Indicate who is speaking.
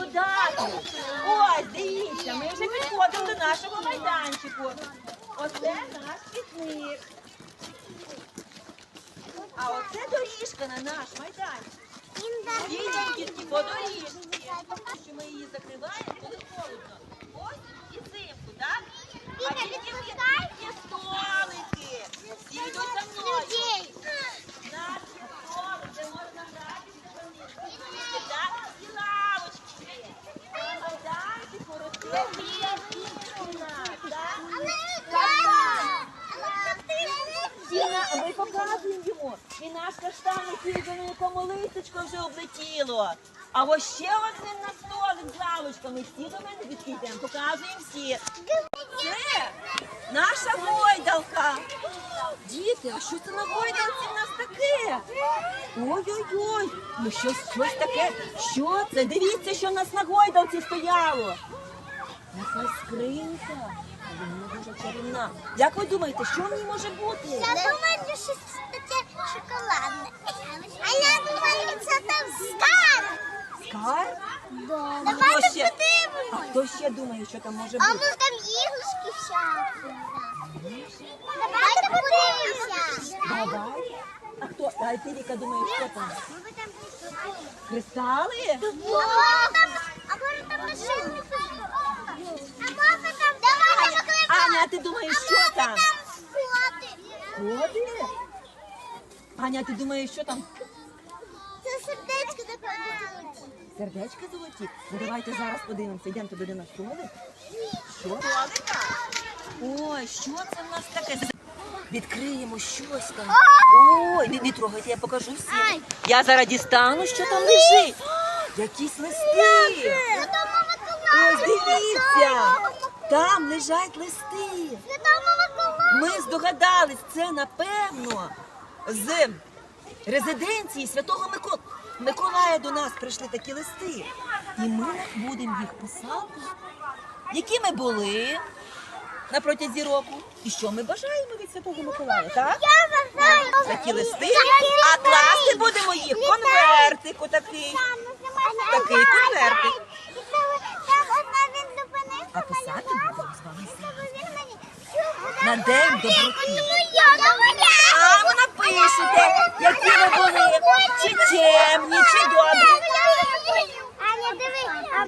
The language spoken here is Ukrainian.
Speaker 1: додати. Ось, дивіться, ми вже підходимо до нашого майданчику. Оце наш пікник. А оце доріжка на наш майданчик. Їдемо тільки по доріжці, що ми її закриваємо, коли холодно. Ось і взимку, так? А тільки є столики. Всі йдуть за мною. Наші столики, де можна гратися, так? І лавочки є. На майданчику росте стіна, так? А ми показуємо йому. І наш каштан, на якому листочко вже облетіло. А ось ще один на столик з лавочками. Всі до мене відкидемо, показуємо всі. Це наша гойдалка. Діти, а що це на гойдалці в нас таке? Ой-ой-ой, ну щось таке. Що це? Дивіться, що в нас на гойдалці стояло. Якась скринька. Вона дуже чарівна. Як ви думаєте, що в ній може бути?
Speaker 2: Я думаю, що таке шоколадне. А я думаю, це там скарб.
Speaker 1: Скарб?
Speaker 2: Давайте
Speaker 1: А
Speaker 2: подивимось.
Speaker 1: хто ще думає, що там може
Speaker 2: А
Speaker 1: бути?
Speaker 2: може там іграшки всякі? Давайте подивимося.
Speaker 1: Давай. А хто? А ти, Віка, думаєш, що там?
Speaker 2: Може там кристали?
Speaker 1: Кристали?
Speaker 2: А може там машини? А може там... Давайте покликаємо.
Speaker 1: Аня, а ти думаєш, що там?
Speaker 2: Коти.
Speaker 1: Коти? Аня, ти думаєш, що там?
Speaker 2: Це сердечко таке.
Speaker 1: Сердечка золоті? Ну давайте зараз подивимося. Йдемо туди на столик. Що? Ой, що це в нас таке? Відкриємо щось там. Ой, не трогайте, я покажу всім. Я зараз дістану, що там лежить. Якісь листи. Ось дивіться. Там лежать листи. Ми здогадались, це напевно з резиденції Святого Миколая до нас прийшли такі листи. І ми будемо їх писати, які ми були на протязі року. І що ми бажаємо від Святого Миколая, так? Такі листи. А класти будемо їх в конвертик отакий. Такий конвертик. А писати будемо з вами на День доброти. А ви напишете, які ви були, чи чемні, чи добрі.